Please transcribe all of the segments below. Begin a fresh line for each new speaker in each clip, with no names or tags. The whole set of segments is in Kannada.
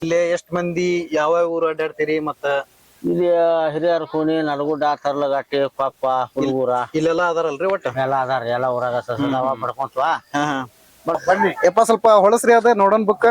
ಇಲ್ಲೇ ಎಷ್ಟ್ ಮಂದಿ ಯಾವ ಊರು ಅಡ್ಡಾಡ್ತೀರಿ ಮತ್ತ
ಇಲ್ಲಿ ಹಿರಿಯರ್ ಕೂನಿ ನಡಗುಡ್ಡ ತರ್ಲಗಟ್ಟಿ ಪಪ್ಪ ಹುಡುಗೂರ
ಇಲ್ಲೆಲ್ಲಾ ಅದಾರಲ್ರಿ ಒಟ್ಟ
ಎಲ್ಲ ಅದಾರ ಎಲ್ಲ ಊರಾಗ ಸಸದಾವ ಪಡ್ಕೊಂತ್ವಾ
ಹಾ ಹಾ
ಬನ್ನಿ
ಯಪ್ಪ ಸ್ವಲ್ಪ ಹೊಳಸ್ರಿ ಅದ ನೋಡೋಣ ಬುಕ್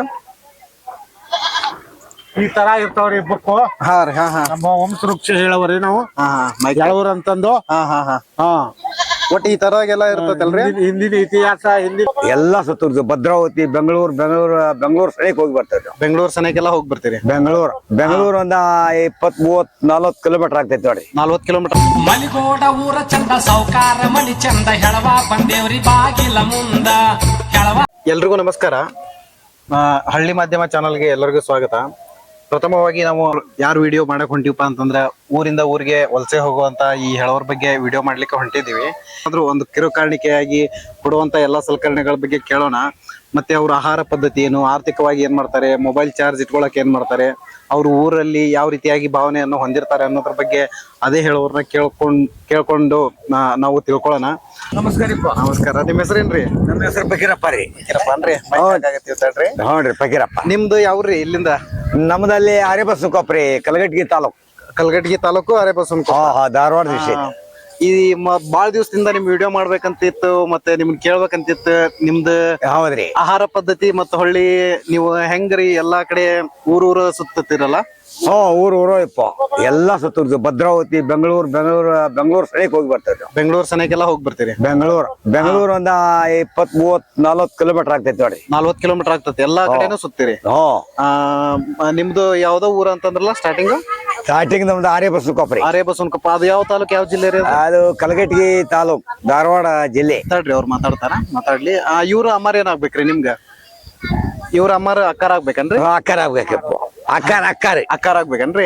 ಈ ತರ ಇರ್ತಾವ್ರಿ ಬುಕ್
ಹಾ ರೀ ಹಾ ಹಾ
ನಮ್ಮ ವಂಶವೃಕ್ಷ ಹೇಳವ್ರಿ ನಾವು
ಹಾ ಹಾ
ಹೇಳವ್ರ ಅಂತಂದು
ಹಾ ಹಾ ಹಾ
ಹಾ
ಒಟ್ಟ ಈ ತರಾಗೆಲ್ಲ ಇರ್ತೈತಲ್ರಿ
ಹಿಂದಿನ ಇತಿಹಾಸ ಹಿಂದಿನ
ಎಲ್ಲಾ ಸುತ್ತೂರ್ದು ಭದ್ರಾವತಿ ಬೆಂಗಳೂರು ಸನಿಕ್ ಹೋಗಿ ಬರ್ತೇವೆ
ಬೆಂಗಳೂರು ಸನೇಕೆಲ್ಲ ಹೋಗಿ ಬರ್ತೀರಿ
ಬೆಂಗಳೂರು ಒಂದ 20-30-40 ಕಿಲೋಮೀಟರ್ ಆಗ್ತೈತಿ ನೋಡ್ರಿ
40 ಕಿಲೋಮೀಟರ್
ಮಲಿಗೋಡ ಊರ ಚಂದ ಸೌಕಾರ ಮನಿ ಚಂದ ಹೆಳವ ಬಂದೇವ್ರಿ ಬಾಗಿಲ ಮುಂದ ಹೆಳವ.
ಎಲ್ರಿಗೂ ನಮಸ್ಕಾರ. ಹಳ್ಳಿ ಮಾಧ್ಯಮ ಚಾನಲ್ಗೆ ಎಲ್ಲರಿಗೂ ಸ್ವಾಗತ. ಪ್ರಥಮವಾಗಿ ನಾವು ಯಾರು ವಿಡಿಯೋ ಮಾಡಕ್ ಹೊಂಟಿವಪ್ಪ ಅಂತಂದ್ರ ಊರಿಂದ ಊರಿಗೆ ವಲಸೆ ಹೋಗುವಂತ ಈ ಹೆಳವರ ಬಗ್ಗೆ ವಿಡಿಯೋ ಮಾಡ್ಲಿಕ್ಕೆ ಹೊಂಟಿದೀವಿ. ಆದ್ರೂ ಒಂದು ಕಿರುಕಾಣಿಕೆಯಾಗಿ ಕೊಡುವಂತ ಎಲ್ಲಾ ಸಲಕರಣೆಗಳ ಬಗ್ಗೆ ಕೇಳೋಣ. ಮತ್ತೆ ಅವ್ರ ಆಹಾರ ಪದ್ಧತಿ ಏನು, ಆರ್ಥಿಕವಾಗಿ ಏನ್ ಮಾಡ್ತಾರೆ, ಮೊಬೈಲ್ ಚಾರ್ಜ್ ಇಟ್ಕೊಳಕ್ ಏನ್ ಮಾಡ್ತಾರೆ, ಅವ್ರ ಊರಲ್ಲಿ ಯಾವ ರೀತಿಯಾಗಿ ಭಾವನೆಯನ್ನು ಹೊಂದಿರ್ತಾರೆ ಅನ್ನೋದ್ರ ಬಗ್ಗೆ ಅದೇ ಹೇಳೋರ್ನ ಕೇಳ್ಕೊಂಡು ನಾವು ತಿಳ್ಕೊಳ್ಳೋಣ. ನಮಸ್ಕಾರ. ನಿಮ್ ಹೆಸರೇನ್ರಿ?
ನಮ್ಮ ಹೆಸರು ಫಕೀರಪ್ಪ ರೀ.
ಅನ್ರಿ
ನೋಡ್ರಿ ಫಕೀರಪ್ಪ.
ನಿಮ್ದು ಯಾವ್ರಿ? ಇಲ್ಲಿಂದ
ನಮ್ದಲ್ಲಿ ಆರ್ಯಬಸ್ಕೊಪ್ರಿ,
ಕಲಘಟಗಿ ತಾಲೂಕು ಅರೇಬಸವನಕೊಪ್ಪ,
ಧಾರವಾಡ ಡಿಸ್ಟ್ರಿಕ್ಟ್.
ಈ ಬಾಳ ದಿವಸದಿಂದ ನಿಮ್ ವಿಡಿಯೋ ಮಾಡ್ಬೇಕಂತಿತ್ತು, ಮತ್ತೆ ನಿಮ್ನ ಕೇಳ್ಬೇಕಂತಿತ್ತು. ನಿಮ್ದು
ಹೌದ್ರಿ.
ಆಹಾರ ಪದ್ಧತಿ ಮತ್ತ ಹೊಳ್ಳಿ ನೀವು ಹೆಂಗ್ರಿ ಎಲ್ಲಾ ಕಡೆ ಊರೂರ ಸುತ್ತಿರಲ್ಲ?
ಊರು ಇಪ್ಪ ಎಲ್ಲಾ ಸುತ್ತೂರ್ದು ಭದ್ರಾವತಿ ಬೆಂಗಳೂರು ಸನಿಕ್ ಹೋಗಿ ಬರ್ತೇವೆ.
ಬೆಂಗಳೂರು ಸನೇಕೆಲ್ಲ ಹೋಗಿ ಬರ್ತೀರಿ?
ಬೆಂಗಳೂರು ಒಂದ 20-40 ಕಿಲೋಮೀಟರ್ ಆಗ್ತೈತಿ ನೋಡ್ರಿ.
40 ಕಿಲೋಮೀಟರ್ ಆಗ್ತೈತಿ. ಎಲ್ಲಾ ಕಡೆನೂ ಸುತ್ತೀರಿ? ನಿಮ್ದು ಯಾವ್ದೋ ಊರ ಅಂತಂದ್ರಲ್ಲ
ಸ್ಟಾರ್ಟಿಂಗ್ ನಮ್ದು ಆರ್ಯಬಸ್ಕೊಪ್ರಿ.
ಅರೇಬಸವನಕೊಪ್ಪ. ಅದು ಯಾವ ತಾಲೂಕು, ಯಾವ ಜಿಲ್ಲೆ ರೀ?
ಅದು ಕಲಘಟಗಿ ತಾಲೂಕ್, ಧಾರವಾಡ ಜಿಲ್ಲೆ.
ಮಾತಾಡ್ರಿ, ಅವ್ರು ಮಾತಾಡ್ಲಿ. ಇವ್ರ ಅಮ್ಮಾರ ಏನಾಗ್ಬೇಕ್ರಿ ನಿಮ್ಗ? ಇವ್ರ ಅಮ್ಮಾರ ಅಕ್ಕಾರ ಆಗ್ಬೇಕನ್ರಿ?
ಅಕ್ಕಾರ ಆಗ್ಬೇಕಪ್ಪ.
ಅಕ್ಕಾರ ಆಗ್ಬೇಕನ್ರಿ?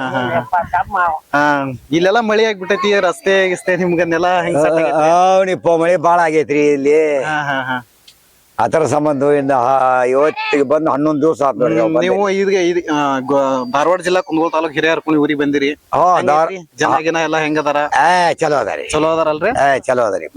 ಇಲ್ಲೆಲ್ಲಾ ಮಳಿ ಆಗ್ಬಿಟ್ಟೈತಿ, ರಸ್ತೆ ಗಿಸ್ತೆ ನಿಮ್ಗನ್ನೆಲ್ಲ ಹೆಂಗ್ set ಆಗೈತಿ?
ಅವನಿಪ್ಪ ಮಳೆ ಬಾಳ ಆಗೈತ್ರಿ ಇಲ್ಲಿ. ಅದರ ಸಂಬಂಧ ಇವತ್ತಿಗೆ ಬಂದು 11 ದಿವಸ ಆತ್ ನೋಡ್ರಿ.
ನೀವು ಈಗ ಧಾರವಾಡ ಜಿಲ್ಲಾ ಕುಂದಗೋಳ ತಾಲೂಕ್ ಹಿರಿಯರ್ಕುನಿ ಊರಿಗೆ ಬಂದಿರಿ. ಜನ ಎಲ್ಲಾ ಹೆಂಗದಾರ?
ಚಲೋ ಅದಾರಿ.
ಚಲೋ ಅದಾರಲ್ರಿ?
ಚಲೋ ಅದಾರಿ.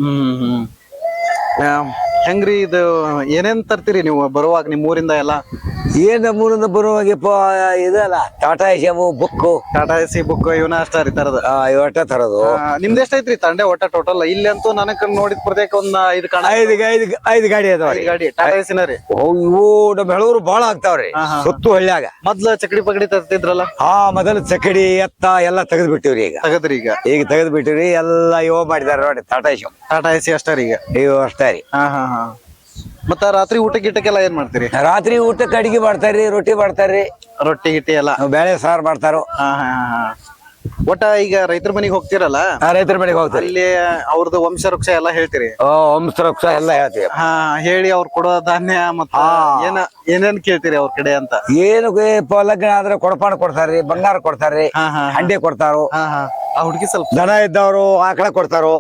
ಹೆಂಗ್ರಿ ಇದು ಏನೇನ್ ತರ್ತೀರಿ ನೀವು ಬರುವಾಗ ನಿಮ್ ಊರಿಂದ ಎಲ್ಲ?
ಏನ್ ನಮ್ಮೂರಿಂದ ಬರುವಾಗಪ್ಪ ಇದಲ್ಲ, ಟಾಟಾ ಎಸಿಯಮು, ಬುಕ್ಕು,
ಟಾಟಾ ಎಸಿ ಬುಕ್ ಇವನ ಅಷ್ಟ ರೀ ತರದ?
ಇವಟ್ಟ ತರದು.
ನಿಮ್ದು ಎಷ್ಟೈತ್ರಿ ತಂಡೆ ಒಟ್ಟ ಟೋಟಲ್? ಇಲ್ಲಿ ಅಂತೂ ನನಗ್ ನೋಡಿದ ಪ್ರತ್ಯೇಕ ಒಂದ್
5 ಗಾಡಿ ಅದಾವ್ರಿ.
ಗಾಡಿ ಟಾಟಾ ಎಸಿನ ರೀ?
ಇವು ನಮ್ಮ ಬೆಳೂರು ಬಾಳ ಆಗ್ತಾವ್ರಿ ಸುತ್ತು ಹಳ್ಳ್ಯಾಗ.
ಮೊದ್ಲ ಚಕಡಿ ಪಗಡಿ ತರ್ತಿದ್ರಲ್ಲ?
ಮೊದಲು ಚಕಡಿ ಎತ್ತ ಎಲ್ಲ ತೆಗೆದ್ ಬಿಟ್ಟಿವ್ರಿ.
ತಗದ್ರಿ? ಈಗ
ತೆಗೆದ್ ಬಿಟ್ಟಿವ್ರಿ. ಎಲ್ಲ ಇವ ಮಾಡಿದಾರ ನೋಡಿ, ಟಾಟಾ
ಎಸಿ ಅಷ್ಟ ರೀ? ಈಗ
ಇವು ಅಷ್ಟೇ ರೀ.
ಮತ್ತ ರಾತ್ರಿ ಊಟ ಗಿಟಕ್ಕೆಲ್ಲ ಏನ್ ಮಾಡ್ತೀರಿ?
ರಾತ್ರಿ ಊಟಕ್ಕೆ ಅಡಿಗೆ ಮಾಡ್ತಾರ್ರಿ, ರೊಟ್ಟಿ ಮಾಡ್ತಾರ್ರಿ.
ರೊಟ್ಟಿ ಗಿಟ್ಟಿ ಎಲ್ಲ?
ಬೇಳೆ ಸಾರು ಮಾಡ್ತಾರೋ.
ಒಟ್ಟ ಈಗ ರೈತರ ಮನೆಗೆ ಹೋಗ್ತಿರಲ್ಲ,
ರೈತರ ಮನೆಗೆ ಹೋಗ್ತಾರೆ.
ಅಲ್ಲಿ ಅವ್ರದ್ದು ವಂಶವೃಕ್ಷ ಎಲ್ಲಾ ಹೇಳ್ತೀರಿ?
ವಂಶವೃಕ್ಷ ಎಲ್ಲ ಹೇಳ್ತೀವಿ.
ಹೇಳಿ ಅವ್ರು ಕೊಡೋ ಧಾನ್ಯ ಮತ್ತ ಏನೇನ್ ಕೇಳ್ತೀರಿ ಅವ್ರ ಕಡೆ ಅಂತ?
ಏನು ಲಗ್ನ ಆದ್ರೆ ಕೊಡಪಾನ ಕೊಡ್ತಾರ್ರಿ, ಬಂಗಾರ ಕೊಡ್ತಾರ್ರಿ, ಹಂಡೆ ಕೊಡ್ತಾರೋ.
ಆ ಹುಡುಗಿ ಸ್ವಲ್ಪ
ದನ ಇದ್ದವ್ರು ಆಕಳ ಕೊಡ್ತಾರೋ,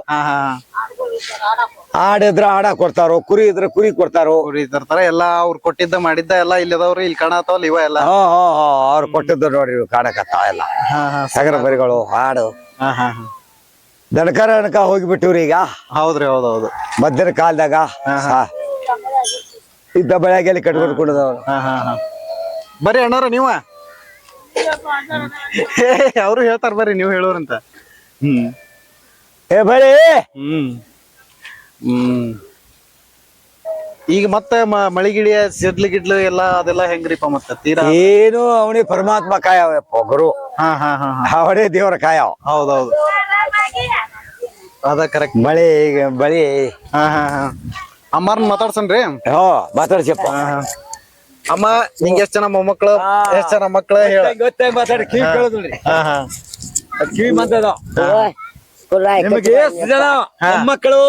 ಆಡಿದ್ರ ಆಡ ಕೊಡ್ತಾರೋ, ಕುರಿ ಇದ್ರ ಕುರಿ ಕೊಡ್ತಾರೋ.
ಕುರಿ ತರ್ತಾರ ಎಲ್ಲ. ಅವ್ರು ಕೊಟ್ಟಿದ್ದ ಮಾಡಿದ್ದ ಎಲ್ಲ ಇಲ್ಲದವ್ರು ಇಲ್ಲಿ ಕಾಣತಾವಲ್ಲ ಇವ ಎಲ್ಲ?
ಅವ್ರು ಕೊಟ್ಟಿದ್ದು ನೋಡ್ರಿ ಕಾಣಕತ್ತಾವ ಎಲ್ಲ. ಸಗರ ಬರಿಗಳು, ಹಾಡು, ದನಕರ ಹೋಗಿಬಿಟ್ಟಿವ್ರಿ ಈಗ.
ಹೌದ್ರಿ, ಹೌದೌದು.
ಮಧ್ಯಾಹ್ನ ಕಾಲದಾಗ ಇದ್ದ ಬೆಳಗ್ಗೆಲ್ಲಿ ಕಟ್ಕೊಂಡು ಕುಡಿದವ್ರು.
ಬರ್ರಿ ಅಣ್ಣಾರ ನೀವ. ಅವ್ರು ಹೇಳ್ತಾರ ಬರ್ರಿ, ನೀವು ಹೇಳೋರಂತ.
ಬರೀ
ಈಗ ಮತ್ತೆ ಮಳಿಗಿಳಿಯ ಸಿಡ್ಲು ಎಲ್ಲ ಅದೆಲ್ಲ ಹೆಂಗ್ರಿಪ್ಪ? ಮತ್ತೆ ತೀರಾ
ಏನು ಅವನಿಗೆ ಪರಮಾತ್ಮ ಕಾಯಪ್ಪ, ಗುರು. ಅವನೇ ದೇವರ ಕಾಯವ.
ಹೌದೌದು, ಅದ ಕರೆಕ್ಟ್.
ಬಳಿ
ಅಮ್ಮಾರನ್ ಮಾತಾಡ್ಸನ್ರಿ?
ಮಾತಾಡ್ಸಪ್ಪ.
ಅಮ್ಮ, ನಿಂಗೆ ಎಷ್ಟ್ ಜನ ಮೊಮ್ಮಕ್ಳು, ಎಷ್ಟ್ ಜನ ಮಕ್ಳು ಹೇಳ?
ಮಾತಾಡಿ, ಕಿವಿ ಕೇಳೋದ್ರಿ. ಕಿವಿ ಮಾತಾಡ. ನಿಮಗೆ ಎಷ್ಟು ಜನ ಮೊಮ್ಮಕ್ಕಳು?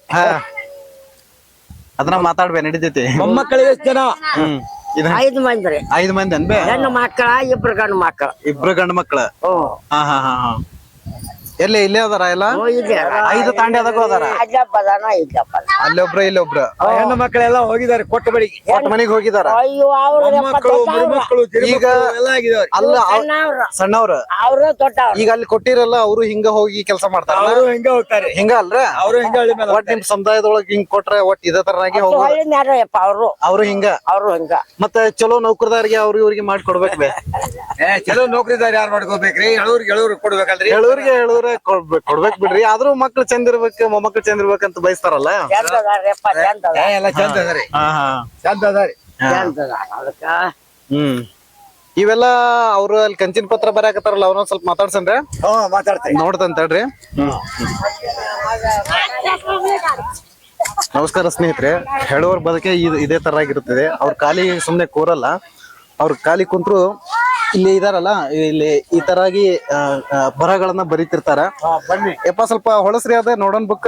ಅದನ್ನ ಮಾತಾಡ್ಬೇ, ನಡಿತೈತಿ.
ಮೊಮ್ಮಕ್ಕಳು ಎಷ್ಟು ಜನ?
5 ಮಂದಿ ರೀ.
5 ಮಂದಿ ಅನ್ಬೇ?
ಹೆಣ್ಣು ಮಕ್ಕಳ, 2 ಗಂಡು ಮಕ್ಕಳ.
2 ಗಂಡು ಮಕ್ಳ? ಎಲ್ಲಿ ಇಲ್ಲೇ ಅದಾರ ಎಲ್ಲ
ಇದೆ
5 ತಾಂಡಿ ಅದಕ್ಕೂ ಅದಾರ
ಅಲ್ಲಪ್ಪ ಅದಾನ ಇಲ್ಲಪ್ಪ ಅದಾನ.
ಅಲ್ಲೊಬ್ರ ಇಲ್ಲೊಬ್ರ
ಹೆಣ್ಣು ಮಕ್ಕಳೆಲ್ಲ ಹೋಗಿದ್ದಾರೆ ಕೊಟ್ಟ ಬಳಿಗೆ.
ಒಟ್ಟ ಮನೆಗ್ ಹೋಗಿದಾರ
ಅಯ್ಯೋ ಅವ್ರು
ಈಗ ಅಲ್ಲ ಸಣ್ಣವ್ರ
ಅವ್ರು ದೊಡ್ಡವ್ರು
ಈಗ ಅಲ್ಲಿ ಕೊಟ್ಟಿರಲ್ಲ ಅವರು ಹಿಂಗ ಹೋಗಿ ಕೆಲಸ ಮಾಡ್ತಾರ
ಅವರು ಹಿಂಗ ಹೋಗ್ತಾರೆ,
ಹಿಂಗ ಅಲ್ರ
ಅವರು ಹಿಂಗ ಹಳ್ಳಿ ಮೇಲೆ
ಒಟ್ ನಿಮ್ ಸಮುದಾಯದೊಳಗ ಹಿಂಗ್ ಕೊಟ್ರೆ ಒಟ್ ಇದೇ ತರನಾಗಿ ಹೋಗೋದು
ಹಳ್ಳಿ ನ್ಯಾರಯ್ಯಪ್ಪ
ಅವ್ರು ಹಿಂಗ
ಅವ್ರು ಹಿಂಗ
ಮತ್ತೆ ಚಲೋ ನೌಕರದಾರಿಗೆ ಅವ್ರಿಗೆ ಇವ್ರಿಗೆ ಮಾಡಿ ಕೊಡ್ಬೇಕು ಬೇ
ಚಲೋ ನೌಕರಿದಾರ ಯಾರು ಮಾಡ್ಕೋಬೇಕ್ರಿ? ಎಳೂರಿಗೆ ಕೊಡ್ಬೇಕಲ್ರಿ.
ಹೇಳೋರಿಗೆ ಕೊಡ್ಬೇಕ್ ಬಿಡ್ರಿ, ಆದ್ರೂ ಮಕ್ಳು ಚಂದ ಇರ್ಬೇಕು ಮೊಮ್ಮಕ್ಳು ಚಂದ ಇರ್ಬೇಕಂತ ಬಯಸ್ತಾರಲ್ಲ.
ಚಂದ ಅದಾರಪ್ಪ ಚಂದ ಅದಾರ
ಎಲ್ಲ ಚಂದ ಅದರಿ, ಚಂದ ಅದರಿ.
ಚಂದ ಅದಾರ ಅದಕ್ಕ
ಇವೆಲ್ಲ ಅವ್ರು ಅಲ್ಲಿ ಕಂಚಿನ ಪತ್ರ ಬರಾಕತ್ತಾರಲ್ಲ ಅವ್ರನ್ನ ಸ್ವಲ್ಪ ಮಾತಾಡ್ಸನ್ರಿ.
ಮಾತಾಡ್ತಾರೆ,
ನೋಡ್ತಂತ ಹೇಳ್ರಿ. ನಮಸ್ಕಾರ ಸ್ನೇಹಿತರೆ. ಹೇಳುವವ್ರ ಬದುಕೆ ಇದೇ ತರ ಆಗಿರುತ್ತದೆ. ಅವ್ರ ಖಾಲಿ ಸುಮ್ನೆ ಕೂರಲ್ಲ, ಅವ್ರ ಖಾಲಿ ಕುಂತ್ರು ಇಲ್ಲಿ ಇದಾರಲ್ಲ ಇಲ್ಲಿ ಈ ತರಾಗಿ ಬರಹಗಳನ್ನ ಬರೀತಿರ್ತಾರ.
ಬನ್ನಿ
ಯಪ್ಪ ಸ್ವಲ್ಪ ಹೊಳಸ್ರಿ ಅದ ನೋಡೋಣ ಬುಕ್.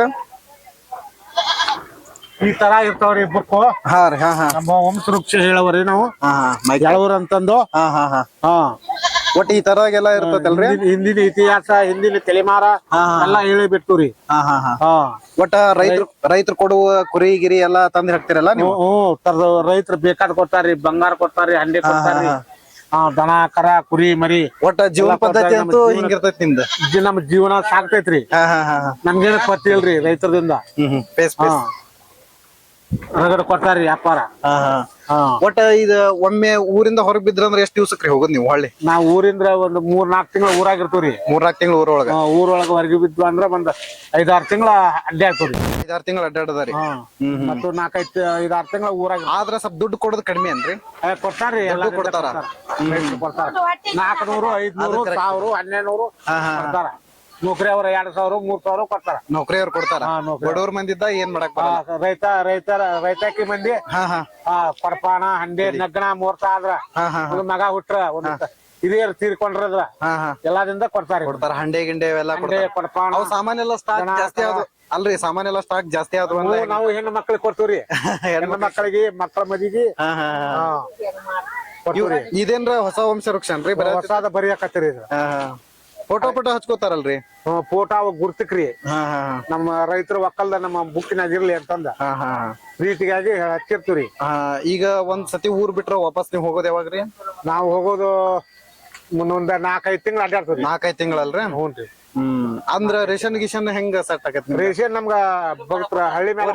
ಈ ತರ ಇರ್ತಾವ್ರಿ ಬುಕ್ಕು.
ಹಾ ರೀ ಹಾ ಹಾ
ನಮ್ಮ ವಂಶವೃಕ್ಷ ಹೇಳವ್ರಿ ನಾವು
ಹಾ ಹಾ
ಎಳೂರ್ ಅಂತಂದು.
ಹಾ ಹಾ ಹಾ
ಹಾ
ಒಟ್ಟು ಈ ತರಾಗೆಲ್ಲ ಇರ್ತೈತಲ್ರಿ.
ಹಿಂದಿನ ಇತಿಹಾಸ ಹಿಂದಿನ ತಲೆಮಾರ ಎಲ್ಲಾ ಹೇಳಿ ಬಿಟ್ಟುರಿ.
ಹಾ ಹಾ ಹಾ
ಹಾ
ಒಟ್ಟ ರೈತರು ಕೊಡುವ ಕುರಿ ಗಿರಿ ಎಲ್ಲಾ ತಂದ್ ಹಾಕ್ತಿರಲ್ಲ ನೀವು.
ತರದ ರೈತರು ಬೇಕಾದ್ ಕೊಡ್ತಾರಿ, ಬಂಗಾರ ಕೊಡ್ತಾರಿ, ಹಂಡಿ ಕೊಡ್ತಾರಿ, ದನ ಕರ ಕುರಿ ಮರಿ.
ಒಟ್ಟ ಜೀವನ ಪದ್ಧತಿ ಅಂತೂ ಹಿಂಗಿರ್ತೈತಿ ನಿಮ್ದು.
ನಮ್ ಜೀವನ ಸಾಕ್ತೈತ್ರಿ.
ಹಾ ಹಾ ಹಾ
ನಮ್ಗೇನ ಗೊತ್ತಿಲ್ರಿ ರೈತರದಿಂದ.
ಪೇಸ್ ಪೇಸ್
ಹೊರಗಡೆ ಕೊಡ್ತಾರಿ ವ್ಯಾಪಾರ.
ಹಾ ಹಾ ಒಟ್ಟ ಇದ ಒಮ್ಮೆ ಊರಿಂದ ಹೊರಗ್ ಬಿದ್ರಂದ್ರ ಎಷ್ಟ್ ದಿವ್ಸಕ್ರಿ ಹೋಗೋದ್ ನೀವು ಹೊಳ್ಳಿ?
ನಾವ್ ಊರಿಂದ ಒಂದ್ 3-4 ತಿಂಗಳ ಊರಾಗಿರ್ತವ್ರಿ.
3-4 ತಿಂಗಳು ಊರೊಳಗ.
ಊರೊಳಗ ಹೊರಗೆ ಬಿದ್ವು ಅಂದ್ರ ಒಂದ್ 5-6 ತಿಂಗಳ ಅಡ್ಡಿ ಆಗ್ತವ್ರಿ.
5-6 ತಿಂಗಳು ಅಡ್ಡಾಡದಾರಿ.
ಮತ್ತು 4-5 ತಿಂಗಳ ಊರಾಗ.
ಆದ್ರ ಸ್ವಲ್ಪ ದುಡ್ಡು ಕೊಡೋದು ಕಡಿಮೆ ಅನ್ರಿ?
ಕೊಡ್ತಾರ್ರಿ, ಎಲ್ಲ
ಕೊಡ್ತಾರ.
400, 500, 1000, 1200 ಕೊಡ್ತಾರ. ನೌಕರಿ ಅವ್ರ 2000, 3000 ಕೊಡ್ತಾರ.
ನೌಕರಿಯವ್ರು ಕೊಡ್ತಾರ. ಬಡವ್ರ ಮಂದಿದ್ದ ಏನ್ ಮಾಡಕ್ ಬರಲ್ಲ.
ರೈತಾಕಿ ಮಂದಿ ಪಡಪಾಣ ಹಂಡಿ ನಗ್ನ ಮುಹೂರ್ತ ಆದ್ರ ಒಂದ್ ಮಗ ಹುಟ್ರ ಒಂದ್ ಹಿರಿಯರು ತೀರ್ಕೊಂಡ್ರದ್ರ ಎಲ್ಲಾದಿಂದ ಕೊಡ್ತಾರ.
ಹಂಡೆ ಗಿಂಡೆ ಅವೆಲ್ಲ
ಪಡಪಾಣ
ಅವು ಸಾಮಾನ್ ಎಲ್ಲ ಸ್ಟಾಕ್ ಜಾಸ್ತಿ ಆದ್ವು ಅಲ್ರಿ? ಸಾಮಾನ್ ಎಲ್ಲ ಸ್ಟಾಕ್ ಜಾಸ್ತಿ ಆದ್ವು.
ನಾವು ಹೆಣ್ಣು ಮಕ್ಳಿಗೆ ಕೊಡ್ತೀವ್ರಿ. ಹೆಣ್ಣು ಮಕ್ಕಳಿಗೆ ಮಕ್ಕಳ ಮದಿಗೆ ಕೊಡ್ತೀವ್ರಿ.
ಇದೇನ್ರ ಹೊಸ ವಂಶ ವೃಕ್ಷ ಅನ್ರಿ?
ಹೊಸಾದ ಬರಿಯಾಕತ್ತೀರಿ.
ಫೋಟೋ ಹಚ್ಕೋತಾರಲ್ರಿ?
ಫೋಟೋ ಅವಾಗ ಗುರ್ತಿಕ್ರಿ. ನಮ್ಮ ರೈತರು ಒಕ್ಕಲ್ದ ನಮ್ಮ ಬುಕ್ಕಿನಾಗ ಇರ್ಲಿ ಅಂತಂದ ಪ್ರೀತಿಗಾಗಿ ಹಚ್ಚಿರ್ತೀವ್ರಿ.
ಈಗ ಒಂದ್ ಸತಿ ಊರ್ ಬಿಟ್ರ ವಾಪಸ್ ನೀವ್ ಹೋಗೋದ್ ಯಾವಾಗ್ರಿ?
ನಾವ್ ಹೋಗೋದು ಮುಂದೊಂದ್ 4-5 ತಿಂಗಳು ಅಡ್ಡಾಡ್ತೀವಿ.
4-5 ತಿಂಗಳಲ್ರಿ?
ಹ್ಞೂನ್ರಿ.
ಅಂದ್ರ ರೇಷನ್ ಗಿಷನ್ ಹೆಂಗ ಸೆಟ್ ಆಗತ್?
ರೇಷನ್ ನಮ್ಗ ಭಕ್ತರ ಹಳ್ಳಿ ಮೇಲೆ.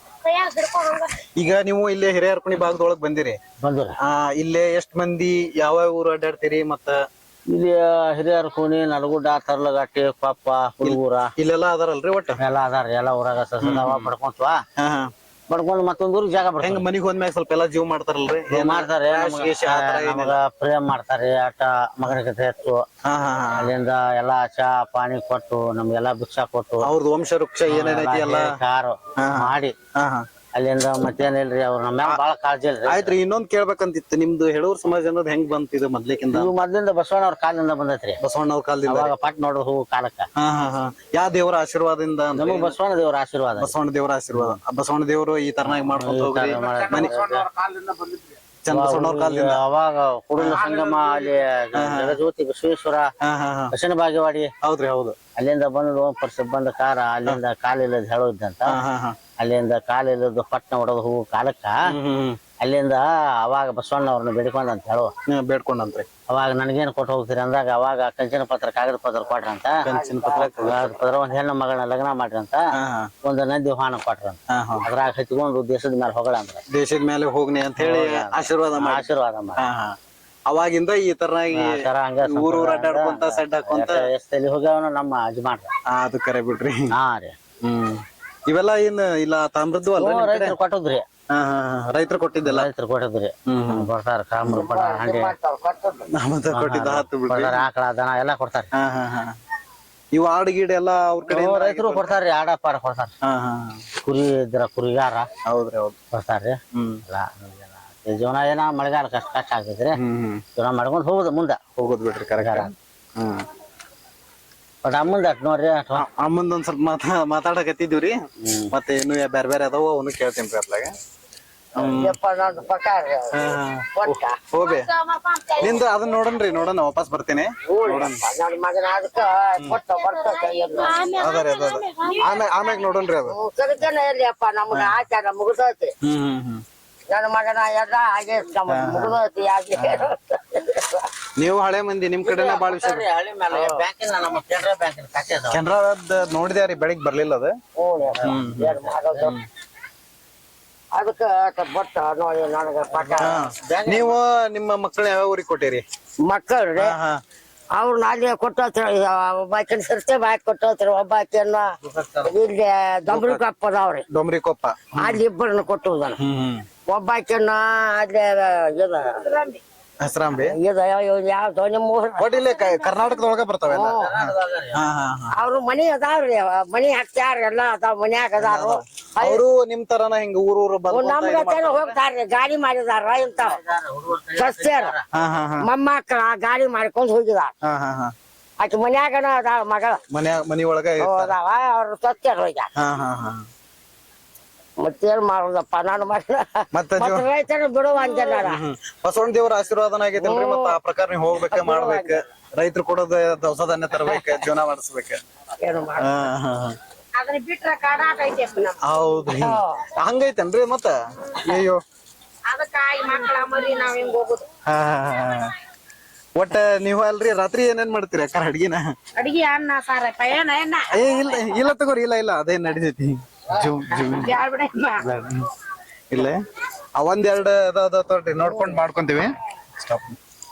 ಈಗ ನೀವು ಇಲ್ಲೇ ಹಿರಿಯರ್ಕುಣಿ ಭಾಗದೊಳಗ್ ಬಂದಿರಿ. ಇಲ್ಲೇ ಎಷ್ಟ್ ಮಂದಿ ಯಾವ ಊರು ಅಡ್ಡಾಡ್ತೀರಿ? ಮತ್ತ
ಇಲ್ಲಿ ಹಿರಿಯರ್ ಕೂನಿ ನಡಗುಡ್ಡ ತರ್ಲಗಟ್ಟಿ ಕೊಪ್ಪ ಹುಡುಗೂರ
ಇಲ್ಲೆಲ್ಲಾ ಅದಾರಲ್ರಿ? ಒಟ್ಟ
ಎಲ್ಲ ಅದಾರ. ಎಲ್ಲ ಊರಾಗ ಸಸದಾವ ಬಡ್ಕೊಂತ್ವ ಬಡ್ಕೊಂಡ್ ಮತ್ತೊಂದ್ ಊರಿಗೆ ಜಾಗ ಬರ್ತಂಗ.
ಹೆಂಗ ಮನಿಗ್ ಹೋದ್ಮ್ಯಾಗ ಸ್ವಲ್ಪ ಎಲ್ಲಾ ಜೀವ ಮಾಡ್ತಾರಲ್ರಿ?
ಮಾಡ್ತಾರೆ. ನಮಗ ಪ್ರೇಮ್ ಮಾಡ್ತಾರೆ. ಆಟ ಮಗನ ಕತೆ ಎತ್ತು ಅಲ್ಲಿಂದ ಎಲ್ಲಾ ಚಾ ಪಾನಿ ಕೊಟ್ಟು ನಮ್ಗೆಲ್ಲಾ ಭಿಕ್ಷಾ ಕೊಟ್ಟು
ಅವ್ರದ್ದು ವಂಶ ವೃಕ್ಷ ಏನೇನೈತಿ ಎಲ್ಲ
ಕಾರು ಮಾಡಿ ಅಲ್ಲಿಂದ ಮತ್ತೇನಿಲ್ರಿ. ಅವ್ರ ನಮ್ಮ ಮ್ಯಾಲ ಬಾಳ ಕಾಳಜಿ ಇಲ್ರಿ.
ಆಯ್ತ್ರಿ. ಇನ್ನೊಂದ್ ಕೇಳ್ಬೇಕಂತಿತ್ತು, ನಿಮ್ದು ಹೇಳೂರ್ ಸಮಾಜ ಅನ್ನೋದು ಹೆಂಗ್ ಬಂತಿದೆ ಮೊದ್ಲಿಕ್ಕಿಂದ?
ಇವು ಮೊದ್ಲಿಂದ ಬಸವಣ್ಣವ್ರ ಕಾಲದಿಂದ ಬಂದೈತ್ರಿ.
ಬಸವಣ್ಣವ್ರ ಕಾಲದಿಂದ
ಅವಾಗ ಪಟ್ ನೋಡೋದು ಹೂ ಕಾಲಕ್ಕ.
ಯಾವ ದೇವರ ಆಶೀರ್ವಾದದಿಂದ?
ನಮಗ್ ಬಸವಣ್ಣ ದೇವ್ರ ಆಶೀರ್ವಾದ.
ಬಸವಣ್ಣ ದೇವರ ಆಶೀರ್ವಾದ. ಬಸವಣ್ಣ ದೇವರು ಈ ತರನಾಗಿ ಮಾಡ್ಕೊಂಡು ಹೋಗ್ರಿ. ಚನ್ನಬಸವಣ್ಣವ್ರ ಕಾಲದಿಂದ
ಅವಾಗ ಹುಡುಗ ಸಂಗಮ ಅಲ್ಲಿ ಜಗಜ್ಯೋತಿ ಬಸವೇಶ್ವರ ದಕ್ಷಿಣ ಬಾಗೇವಾಡಿ.
ಹೌದ್ರಿ ಹೌದು.
ಅಲ್ಲಿಂದ ಬಂದು ಬಂದ ಕಾರ ಅಲ್ಲಿಂದ ಕಾಲಿಲ್ಲದ ಹೇಳೋದಂತ ಅಲ್ಲಿಂದ ಕಾಲಿಲ್ಲದ ಪಟ್ನ ಹೊಡೋದು ಹೂ ಕಾಲಕ್ಕ. ಅಲ್ಲಿಂದ ಅವಾಗ ಬಸವಣ್ಣವ್ರನ್ನ ಬೇಡ್ಕೊಂಡಂತ ಹೇಳುವ
ಬೇಡ್ಕೊಂಡಂತ್ರಿ.
ಅವಾಗ ನನ್ಗೇನ್ ಕೊಟ್ಟು ಹೋಗ್ತೀರಿ ಅಂದಾಗ ಅವಾಗ ಕಂಚಿನ ಪತ್ರ ಕಾಗದ ಪತ್ರ ಕೊಟ್ರಂತ.
ಕಂಚಿನ ಪತ್ರ
ಒಂದ್ ಹೆಣ್ಣು ಮಗಳನ್ನ ಲಗ್ನ ಮಾಡ್ರಂತ. ಒಂದು ನಂದಿ ವಾಹನ ಕೊಟ್ರಂತ. ಅದ್ರಾಗ ಹಚ್ಕೊಂಡು ದೇಶದ ಮೇಲೆ ಹೊಗಳ ಅಂದ್ರ
ದೇಶದ ಮೇಲೆ ಹೋಗ್ನಿ ಅಂತ ಹೇಳಿ ಆಶೀರ್ವಾದ ಮಾಡಿ. ಅವಾಗಿಂದ ಈ ತರನಾಗಿ ಊರೂರ್ ಅಡ್ಡಾಡ್ಕೊಂತ ಸೆಡ್ ಹಾಕೊಂತ
ಎಲ್ಲಿ ಹೋಗ್ಯಾವನ ನಮ್ಮ ಅಜ್ಮಾಡ್ರ.
ಅದು ಕರೆ ಬಿಡ್ರಿ.
ಹಾ ರೀ.
ಇವೆಲ್ಲ ಏನ್ ಇಲ್ಲ ತಾಮ್ರದ್ದು ಅಲ್ರಿ?
ರೈತರು ಕೊಟ್ಟದ್ರಿ.
ರೈತರು ಕೊಟ್ಟಿದ್ದಲ್ಲ?
ರೈತರು ಕೊಟ್ಟಿದ್ರಿ. ಕೊಡ್ತಾರ ಕಾಮ್ರ ಬಡ ಹಂಡಿ
ಕೊಟ್ಟಿದ್ದ ಹತ್ತು ಬಿಡ್ರಿ.
ಆಕಳ ದನ ಎಲ್ಲಾ ಕೊಡ್ತಾರ.
ಇವು ಆಡು ಗೀಡ್ ಎಲ್ಲಾ ಅವ್ರ ಕಡೆ
ರೈತರು ಕೊಡ್ತಾರ್ರಿ. ಆಡ ಪಾಡ ಕೊಡ್ತಾರ. ಕುರಿ ಇದ್ರ ಕುರಿಗಾರ.
ಹೌದ್ರಿ ಹೌದು
ಕೊಡ್ತಾರ್ರಿ. ಜೀವನ ಏನ ಮಳೆಗಾಲ ಕಷ್ಟ ಆಗ್ತೈತ್ರಿ. ಜೀವನ ಮಾಡ್ಕೊಂಡ್ ಹೋಗುದು ಮುಂದ
ಹೋಗೋದ್ ಬಿಡ್ರಿ. ಕರೆಕ್ಟ್.
ಬಟ್ ಅಮ್ಮಂದ ನೋಡ್ರಿ
ಅಮ್ಮಂದ್ ಒಂದ್ ಸ್ವಲ್ಪ ಮಾತಾಡಕತ್ತಿದ್ವಿ. ಮತ್ತೆ ಇನ್ನು ಬೇರೆ ಬೇರೆ ಅದಾವ ಅವನು ಕೇಳ್ತೇನ್ರಿ ಅದ್ರಾಗ.
ಯಪ್ಪ ನಂದು ಪಕಾರ ಕೊಟ್ಟ
ಹೋಬೆ ನಿಂದ ಅದನ್ನ ನೋಡೋಣ ವಾಪಸ್ ಬರ್ತೀನಿ
ನನ್ನ ಮಗನ ಅದಕ್ಕ ಕೊಟ್ಟ ಬರ್ತದೆ
ಅದರಿ ಅದ ಆಮ್ಯಾಗ ನೋಡೋಣ್ರಿ ಅದು
ಕರಿತನ ಎಲ್ಲಿಯಪ್ಪ ನಮ್ಗ ಆಚಾರ ಮುಗಿದೈತಿ ನನ್ನ ಮಗನ ಎಲ್ಲ ಹಾಗೆ ಮುಗಿದೈತಿ ಯಾಕೆ
ನೀವು ಹಳೆ ಮಂದಿ ನಿಮ್ ಕಡೆನ ಬಾಳ ವಿಷಯ
ಹಳ್ಳಿ ಮೇಲೆ ಬ್ಯಾಂಕಿನ ನಮ್ಮ ಕೆನರಾ ಬ್ಯಾಂಕಿನ ಖಾತೆ ಅದಾವ.
ಕೆನರಾದ ನೋಡಿದ್ಯಾರಿ ಬೆಳಿಗ್ಗೆ ಬರ್ಲಿಲ್ಲ ಅದು
ಏನ್ ಮಾಡೋದು ಅದಕ್ಕ ಬಟ್ಟ ನೋಡಿ ನನಗ ಪಟ
ನೀವು ನಿಮ್ಮ ಮಕ್ಕಳ ಯಾವ ಊರಿಗೆ ಕೊಟ್ಟಿರಿ
ಮಕ್ಕಳ್ರಿ ಅವ್ರನ್ನ ಅಲ್ಲಿ ಕೊಟ್ಟೋತ್ರ ಒಬ್ಬಾಕಿನ ಸರ್ತೆ ಬಾಯ್ ಕೊಟ್ಟೋತ್ರ ಒಬ್ಬಾಕಿಯನ್ನ ಇಲ್ಲಿ ದೊಂಬ್ರಿ ಕಪ್ಪ ಅದಾವ್ರಿ
ಡೊಂಬ್ರಿ ಕೊಪ್ಪ
ಅಲ್ಲಿ ಇಬ್ಬರನ್ನ ಕೊಟ್ಟುದನ ಒಬ್ಬಾಕಿಯನ್ನ ಅಲ್ಲಿ
ಹೆಸರಾಂಬಿ
ಯಾವ್ದು ನಿಮ್ಮ ಊರ
ಒಟ್ ಇಲ್ಲೇ ಕರ್ನಾಟಕದೊಳಗ ಬರ್ತಾವೆಲ್ಲ
ಅವ್ರು ಮನಿ ಅದಾವ್ರಿ ಮನಿ ಹಾಕ್ತಾರ ಎಲ್ಲ ಅದಾವ ಮನ್ಯಾಗ ಅದಾರು
ಅವರು ನಿಮ್ ತರನ ಹಿಂಗ ಊರೂರು
ನಮ್ಗ ಹೋಗ್ತಾರ್ರಿ ಗಾಡಿ ಮಾಡಿದಾರ ಇಂತಾವ ಸಸ್ಯಾರ ಮೊಮ್ಮಕ್ಕಳ ಗಾಡಿ ಮಾಡ್ಕೊಂಡ್ ಹೋಗಿದಾರ ಆಕಿ ಮನ್ಯಾಗನ ಅದಾವ ಮಗಳ
ಮನಿ ಒಳಗ
ಅದಾವ ಅವ್ರ ಸಸ್ಯಾರ ಹೋಗ್ಯಾರ ಮತ್ತೇನ್ ಮಾಡೋದಪ್ಪ ನಾನು
ಮತ್ತೆ
ರೈತರ ಬಿಡುವ ಅಂಜನಾರ
ಬಸವಣ್ಣ ದೇವರ ಆಶೀರ್ವಾದನ ಆಗೈತಲ್ರಿ ಮತ್ತ ಆ ಪ್ರಕಾರ ನೀವ್ ಹೋಗ್ಬೇಕ ಮಾಡ್ಬೇಕ ರೈತರು ಕೊಡೋದ ದವಸ ಧಾನ್ಯ ತರ್ಬೇಕ ಜೀವನ ಮಾಡಿಸ್ಬೇಕ
ಏನು ಮಾಡ ಅದನ್ನ ಬಿಟ್ರ ಕಾಡಾಟ ಐತಿ
ಹೌದ್ರಿ ಹಂಗೈತೇನ್ರಿ ಮತ್ತ ಅಯ್ಯೋ
ಅದಕ್ಕ ಈ ಮಕ್ಕಳ ಮರಿ ನಾವ್ ಹಿಂಗ್ ಹೋಗುದು
ಒಟ್ಟ ನೀವ್ ಅಲ್ರಿ ರಾತ್ರಿ ಏನೇನ್ ಮಾಡ್ತೀರಿ ಅಕ್ಕ ಅಡ್ಗಿನ
ಅಡಿಗೆ ಅನ್ನ ಸಾರ ಏನ
ಏ ಇಲ್ಲ ತಗೋರಿ ಇಲ್ಲ ಅದೇನ್ ನಡಿತೈತಿ ಇಲ್ಲ ಒಂದೆರಡು ಅದ ತೋರಿ ನೋಡ್ಕೊಂಡ್ ಮಾಡ್ಕೊಂತೀವಿ ಸ್ಟಾಪ್